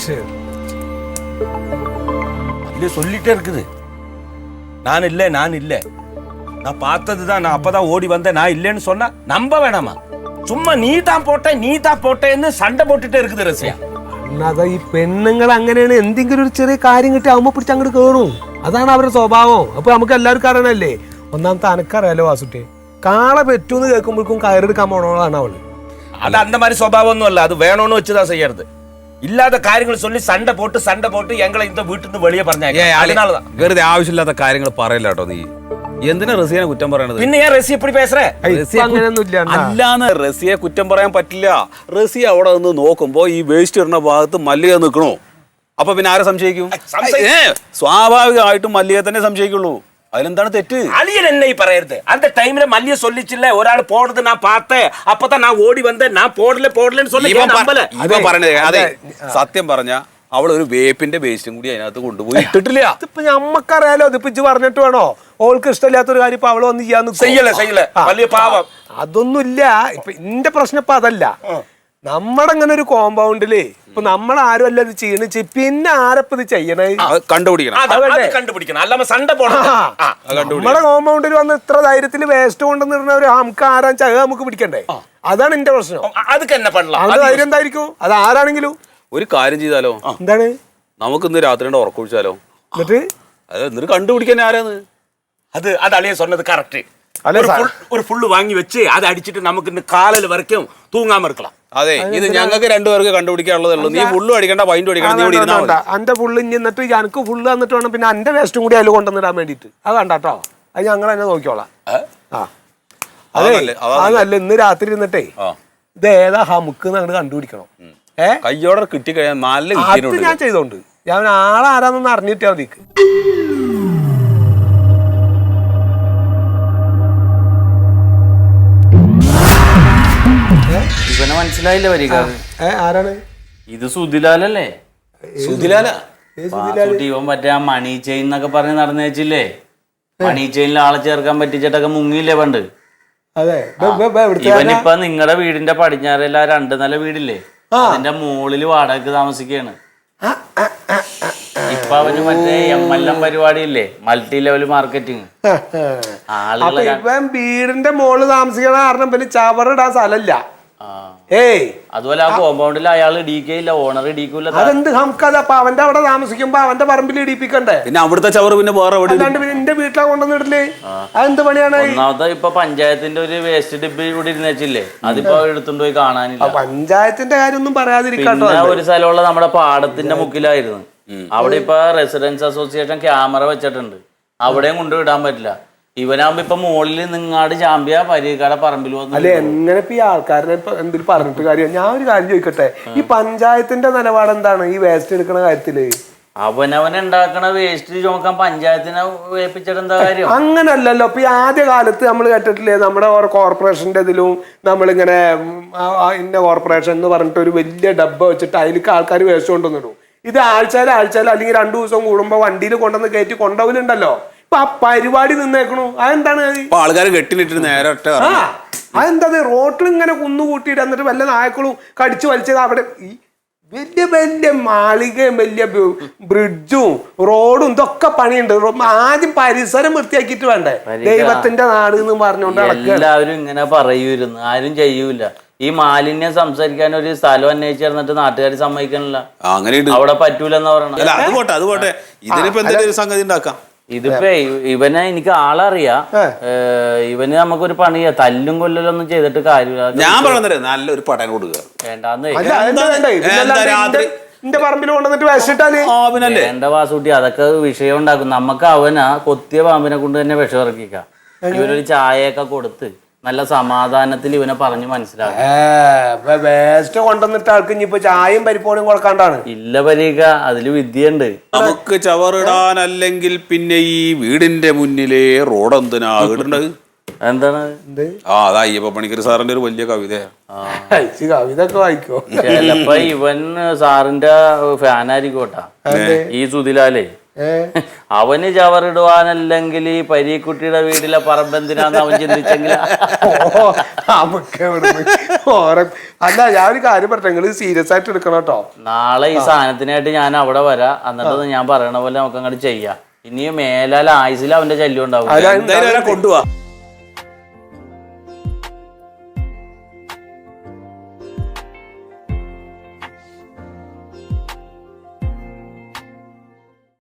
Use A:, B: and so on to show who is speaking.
A: இல்ல சொல்லிட்டே இருக்குது. நான் இல்லை நான் பார்த்ததுதான். நான் அப்பதான் ஓடி வந்தேன். நான் இல்லைன்னு சொன்னா நம்ப வேணாமா? சும்மா நீ தான் போட்டேன்னு சண்டை போட்டுட்டே இருக்குது ரசியா.
B: അതാ ഈ പെണ്ണുങ്ങൾ അങ്ങനെയാണ്. എന്തെങ്കിലും ഒരു ചെറിയ കാര്യം കിട്ടി അമ്മ പിടിച്ച് അങ്ങോട്ട് കയറും. അതാണ് അവരുടെ സ്വഭാവം. അപ്പൊ നമുക്ക് എല്ലാവർക്കും അറിയണല്ലേ. ഒന്നാമത്തെ അനക്കറിയാലോ വാസുട്ടെ, കാള പെറ്റൂന്ന് കേൾക്കുമ്പോഴേക്കും കയറെടുക്കാൻ പോണോളാണ് അവള്.
A: அது அந்த மாதிரி சுபாவம் இல்ல. அது வேணும்னு வச்சுதான் செய்யறது. ഇല്ലാത്ത കാര്യങ്ങൾ சொல்லி സண்டை പോട്ട് ഞങ്ങളെ இந்த വീട്ടിൽ നിന്ന് വെളിയെ പറഞ്ഞാൽ അതിനാലதான்.
C: വെറുതെ ആവശ്യമില്ലാത്ത കാര്യങ്ങൾ പറയില്ല കേട്ടോ നീ. എന്തിനാ റസിയെ കുറ്റം പറയണത്?
A: പിന്നെ ഞാൻ റസി എപ്പടി പേസറേ?
C: അല്ലാന്ന് റസിയെ കുറ്റം പറയാൻ പറ്റില്ല. റസി അവിടെ നിന്ന് നോക്കുമ്പോ ഈ വേസ്റ്റ് ഇടുന്ന ഭാഗത്ത് മല്ലിക നിൽക്കണോ? അപ്പൊ പിന്നെ ആരെ സംശയിക്കും? സ്വാഭാവികമായിട്ടും മല്ലിക തന്നെ സംശയിക്കുള്ളൂ. അതിലെന്താണ് തെറ്റ്?
A: അളിയൻ എന്നെ ഈ പറയരുത്. அந்த டைம்ல മല്ലിക சொல்லிச்சில்ல ഒരാൾ പോടുന്നത് ഞാൻ பார்த்தேன். அப்பதான் நான் ഓടി വന്നേ. ഞാൻ പോടലെന്ന് சொல்லி
C: ഇവൻ പറഞ്ഞത് അതെ. സത്യം പറഞ്ഞ അവൾ ഒരു വേപ്പിന്റെ വേസ്റ്റും കൂടി അതിനകത്ത് കൊണ്ടുപോയി ഇട്ടിട്ടില്ല.
B: ഇതിപ്പോ നമ്മക്കറിയാലോ. ഇതിപ്പോ ഇജ്ജ് പറഞ്ഞിട്ട് വേണോ? ഓൾക്ക് ഇഷ്ടമില്ലാത്തൊരു കാര്യം ഇപ്പൊ അവള് വന്ന് ചെയ്യാൻ
A: ചെയ്യല വലിയ പാവം.
B: അതൊന്നുമില്ല. ഇപ്പൊ എന്റെ പ്രശ്നം ഇപ്പൊ അതല്ല. നമ്മുടെ അങ്ങനെ ഒരു കോമ്പൗണ്ടില് ഇപ്പൊ നമ്മളാരും അല്ല ഇത് ചെയ്യണ. പിന്നെ ആരപ്പ ഇത് ചെയ്യണേ?
C: കണ്ടുപിടിക്കണം.
A: അല്ലാതെ സണ്ടை പോണം.
B: നമ്മുടെ കോമ്പൗണ്ടിൽ വന്ന് ഇത്ര ധൈര്യത്തിൽ വേസ്റ്റ് കൊണ്ടുവന്നിരുന്നവര് നമുക്ക് ആരാൻ ചക നമുക്ക് പിടിക്കണ്ടേ? അതാണ് എന്റെ പ്രശ്നം. അത് ധൈര്യം എന്തായിരിക്കും? അത് ആരാണെങ്കിലും
C: ഒരു കാര്യം ചെയ്താലോ?
B: എന്താണ്?
C: നമുക്ക് ഇന്ന് രാത്രി ഉറക്കൊഴിച്ചാലോ?
B: എന്നിട്ട്
C: കണ്ടുപിടിക്കാൻ ആരാന്ന്?
A: അത് അളിയൻ சொன்னது കറക്റ്റ്. ഒരു ഫുള്ള് വാങ്ങി വെച്ച് അത് അടിച്ചിട്ട് നമുക്ക് ഇന്ന് കാലൽ വരയ്ക്കും തൂങ്ങാമ ഇരിക്കണം.
C: അതെ, ഇത് ഞങ്ങൾക്ക് രണ്ടുപേർക്ക് കണ്ടുപിടിക്കാനുള്ളതേ ഉള്ളൂ. നീ ഫുള്ളും അടിക്കണ്ട, വൈൻഡും അടിക്കണം.
B: എന്റെ ഫുള്ള് ഇനി എന്നിട്ട് എനിക്ക് ഫുള്ള് തന്നിട്ട് വേണം പിന്നെ എന്റെ വേസ്റ്റും കൂടി അതിൽ കൊണ്ടുവന്നിടാൻ വേണ്ടിട്ട്. അത് കണ്ടാട്ടോ, അത് ഞങ്ങൾ തന്നെ നോക്കിക്കോളാം. അതല്ല, ഇന്ന് രാത്രി ഇരുന്നിട്ടേ ഇത് ഏതാ ഹമുക്ക് അങ്ങോട്ട് കണ്ടുപിടിക്കണം.
C: കയ്യോടെ കിട്ടിക്കഴിഞ്ഞാൽ നല്ല
B: ഞാൻ ചെയ്തോണ്ട് ഞാൻ ആളാരാന്നൊന്ന് അറിഞ്ഞിട്ടാ മതിക്ക്.
D: ഇവനെ മനസ്സിലായില്ല വരിക.
B: ആരാണ്
D: ഇത്? സുധിലാലല്ലേ? ഇവൻ മറ്റേ ആ മണി ചെയിൻ എന്നൊക്കെ പറഞ്ഞ് നടന്നു വെച്ചില്ലേ? മണി ചെയിനിൽ ആളെ ചേർക്കാൻ പറ്റിച്ചിട്ടൊക്കെ മുങ്ങിയില്ലേ പണ്ട്? ഇവനിപ്പ നിങ്ങളുടെ വീടിന്റെ പടിഞ്ഞാറല്ല 2 നില വീടില്ലേ, അതിന്റെ മുകളില് വാടകയ്ക്ക് താമസിക്കാണ്. ഇപ്പൊ അവന് മറ്റേ MLM പരിപാടിയില്ലേ, മൾട്ടി ലെവൽ മാർക്കറ്റിംഗ്.
B: വീടിന്റെ മുകളിൽ താമസിക്കണ കാരണം പിന്നെ ചവറിടാൻ സ്ഥലമില്ല.
D: അതുപോലെ ആ കോമ്പൗണ്ടിൽ അയാൾ ഇടിക്കയില്ല, ഓണർ ഇടിക്കൂല.
B: അതെന്ത് നമുക്കത്? അപ്പൊ അവന്റെ അവിടെ താമസിക്കുമ്പോ അവന്റെ പറമ്പിൽ ഇടിപ്പിക്കണ്ടേ?
C: പിന്നെ അവിടുത്തെ ചവറ് പിന്നെ വേറെ
B: എന്റെ വീട്ടിലാ കൊണ്ടുവന്നിട്ടില്ലേ? അതെന്ത് പണിയാണ്?
D: ഒന്നാമത്തെ ഇപ്പൊ പഞ്ചായത്തിന്റെ ഒരു വേസ്റ്റ് ഡിപ്പ് ഇവിടെ ഇരുന്ന് വെച്ചില്ലേ, അതിപ്പോ എടുത്തുകൊണ്ട് പോയി കാണാനില്ല.
B: പഞ്ചായത്തിന്റെ കാര്യം ഒന്നും പറയാതിരിക്കാട്ടോ.
D: ഒരു സ്ഥലമുള്ള നമ്മുടെ പാടത്തിന്റെ മുക്കിലായിരുന്നു. അവിടെ ഇപ്പൊ റെസിഡൻസ് അസോസിയേഷൻ ക്യാമറ വെച്ചിട്ടുണ്ട്, അവിടെയും കൊണ്ടുവിടാൻ പറ്റില്ല. ഇവനാകുമ്പോ ഇപ്പൊ മുകളിൽ നിങ്ങാട് ചാമ്പ്യ പരീക്കാടെ പറമ്പിൽ വന്നു.
B: അല്ലെ എങ്ങനെ ഇപ്പൊ ഈ ആൾക്കാരനെ എന്തെങ്കിലും പറഞ്ഞിട്ട് കാര്യം? ഞാൻ ഒരു കാര്യം ചോദിക്കട്ടെ, ഈ പഞ്ചായത്തിന്റെ നിലപാട് എന്താണ് ഈ വേസ്റ്റ് എടുക്കണ കാര്യത്തില്?
D: അവനവൻ ഉണ്ടാക്കണ വേസ്റ്റ് ചോക്കാൻ പഞ്ചായത്തിനെ ഏൽപ്പിച്ചിട്ട് എന്താ കാര്യം?
B: അങ്ങനല്ലല്ലോ. ഇപ്പൊ ഈ ആദ്യ കാലത്ത് നമ്മൾ കേട്ടിട്ടില്ലേ, നമ്മുടെ കോർപ്പറേഷന്റെ ഇതിലും നമ്മളിങ്ങനെ ഇന്ന കോർപ്പറേഷൻ എന്ന് പറഞ്ഞിട്ട് ഒരു വലിയ ഡബ്ബ വെച്ചിട്ട് അതിലേക്ക് ആൾക്കാർ വേസ്റ്റ് കൊണ്ടുവന്നിടും. ഇത് ആഴ്ചയിൽ അല്ലെങ്കിൽ 2 ദിവസം കൂടുമ്പോ വണ്ടിയിൽ കൊണ്ടുവന്ന് കയറ്റി കൊണ്ടുപോകലുണ്ടല്ലോ. ഇപ്പൊ ആ പരിപാടി നിന്നേക്കണു. അതെന്താണ്?
C: ആൾക്കാർ കെട്ടിനിട്ട് നേരെ
B: അതെന്താ? റോട്ടിൽ ഇങ്ങനെ കുന്നുകൂട്ടിയിട്ട് എന്നിട്ട് വല്ല നായക്കളും കടിച്ചു വലിച്ചത് അവിടെ വലിയ വലിയ മാളികയും വലിയ ബ്രിഡ്ജും റോഡും ഇതൊക്കെ പണിയുണ്ട്. ആദ്യം പരിസരം വൃത്തിയാക്കിയിട്ട് വേണ്ടേ? ദൈവത്തിന്റെ നാട് എന്ന് പറഞ്ഞുകൊണ്ട്
D: എല്ലാവരും ഇങ്ങനെ പറയൂരുന്നു, ആരും ചെയ്യൂല. ഈ മാലിന്യം സംസാരിക്കാൻ ഒരു സ്ഥലം അന്വേഷിച്ചിരുന്നിട്ട് നാട്ടുകാർ സമ്മതിക്കണില്ല. അവിടെ പറ്റൂലെന്നാ പറയണത്. ഇതിപ്പോ ഇവനെ എനിക്ക് ആളറിയാ. ഇവന് നമുക്കൊരു പണിയാ, തല്ലും കൊല്ലലൊന്നും ചെയ്തിട്ട് കാര്യമില്ല.
C: ഞാൻ പറഞ്ഞത് നല്ലൊരു പടം കൊടുക്കുക.
D: വേണ്ടാന്ന് വേണ്ട വാസൂട്ടി, അതൊക്കെ വിഷയം ഉണ്ടാക്കും. നമുക്ക് അവനാ കൊത്തിയ പാമ്പിനെ കൊണ്ട് തന്നെ വിഷം ഇറക്കിക്കാം. ഇവനൊരു ചായയൊക്കെ കൊടുത്ത് നല്ല സമാധാനത്തിൽ ഇവനെ പറഞ്ഞു മനസ്സിലാക്കും.
B: വേസ്റ്റ് കൊണ്ടുവന്നിട്ട് ആൾക്ക് ഇനിയിപ്പോ ചായയും പരിപ്പോടും കൊടുക്കാണ്ടാണ്.
D: ഇല്ല പരീക്ക, അതില് വിദ്യയുണ്ട്.
C: നമുക്ക് ചവറിടാനല്ലെങ്കിൽ പിന്നെ ഈ വീടിന്റെ മുന്നിലെ റോഡ് എന്തിനാ ഇടേണ്ടത്?
D: എന്താണ്?
C: അതാ അയ്യപ്പ പണിക്കർ സാറിന്റെ ഒരു വലിയ കവിതയാ.
B: കവിത ഒക്കെ വായിക്കോ?
D: ചിലപ്പോ ഇവൻ സാറിന്റെ ഫാനായിരിക്കോട്ടാ ഈ സുധിലാലേ. അവന് ചവറിടുവാനല്ലെങ്കിൽ ഈ പരീക്കുട്ടിയുടെ വീട്ടിലെ പറമ്പെന്തിനാന്ന് അവൻ ചിന്തിച്ചെങ്കിൽ
B: അല്ല ഞാൻ ഒരു കാര്യം പറഞ്ഞ നിങ്ങൾ സീരിയസ് ആയിട്ട് എടുക്കണം കേട്ടോ.
D: നാളെ ഈ സാധനത്തിനായിട്ട് ഞാൻ അവിടെ വരാം. എന്നിട്ട് ഞാൻ പറയണ പോലെ നമുക്ക് അങ്ങോട്ട് ചെയ്യാം. ഇനിയും മേലാൽ ആയുസിൽ അവന്റെ ശല്യം ഉണ്ടാവും.
C: എന്തായാലും കൊണ്ടുപോവാ.